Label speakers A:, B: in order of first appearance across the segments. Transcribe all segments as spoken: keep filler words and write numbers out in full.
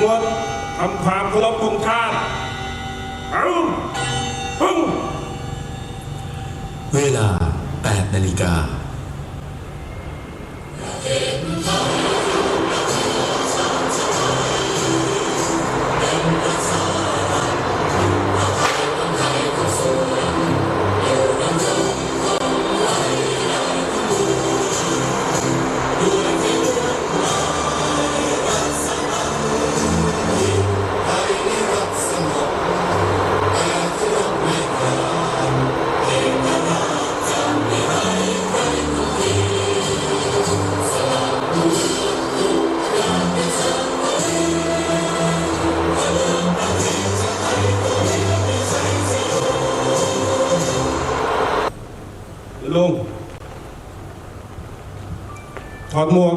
A: วจทำความเคารพธงชาติเอาพึ่ง
B: เวลาแปดนาฬิกา
A: ลุงถอดหมวก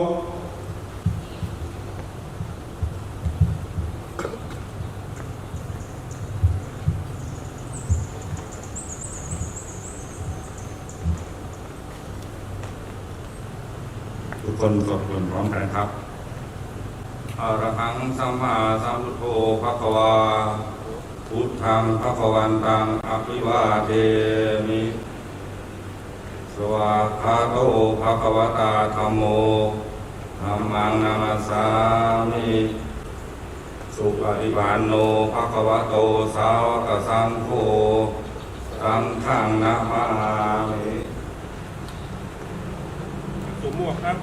A: ทุกคนสวดมนต์พร้อมกันครับอะระหังสัมมาสัมพุทโธภควาพุทธังภควันตังอภิวาเทมิสวากขาโตภควตาธัมโมธัมมังนามัสสามิสุปฏิปันโนภควโตสาวกสังโฆสังฆังนะมามิสวมหมวกครับ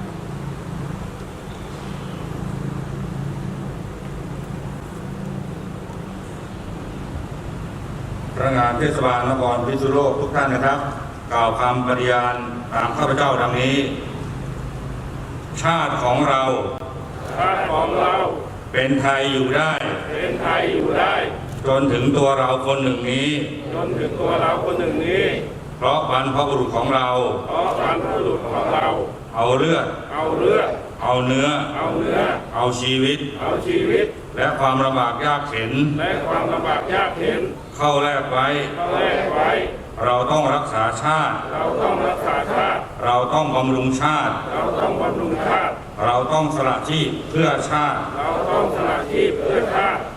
A: พนักงานเทศบาลนครพิษณุโลกทุกท่านนะครับกล่าวคำปฏิญาณตามข้าพเจ้าดังนี้ชาติของเรา
C: ชาติของเรา
A: เป็นไทยอยู่ได้
C: เป็นไทยอยู่ได้
A: จนถึงตัวเราคนหนึ่งนี้
C: จนถึงตัวเราคนหนึ่งนี้
A: เพราะบรรพบุรุษของเรา
C: เพราะบรรพบุรุษของเรา
A: เอาเลือด
C: เอาเลือด
A: เอาเนื้อ
C: เอาเนื้อ
A: เอาชีวิต
C: เอาชีวิต
A: และความลำบากยากเข็ญ
C: และความลำบากยากเข็ญ
A: เข้าแลกไว้
C: เข้าแลกไว้
A: เราต้องรักษาชาติ
C: เราต้องรักษาชาติ
A: เราต้องบำรุงชาติ
C: เราต้องบำรุงชาติ
A: เราต้องสละชีพเพื่อชาติ
C: เราต้องสละชีพเพื่อชาติ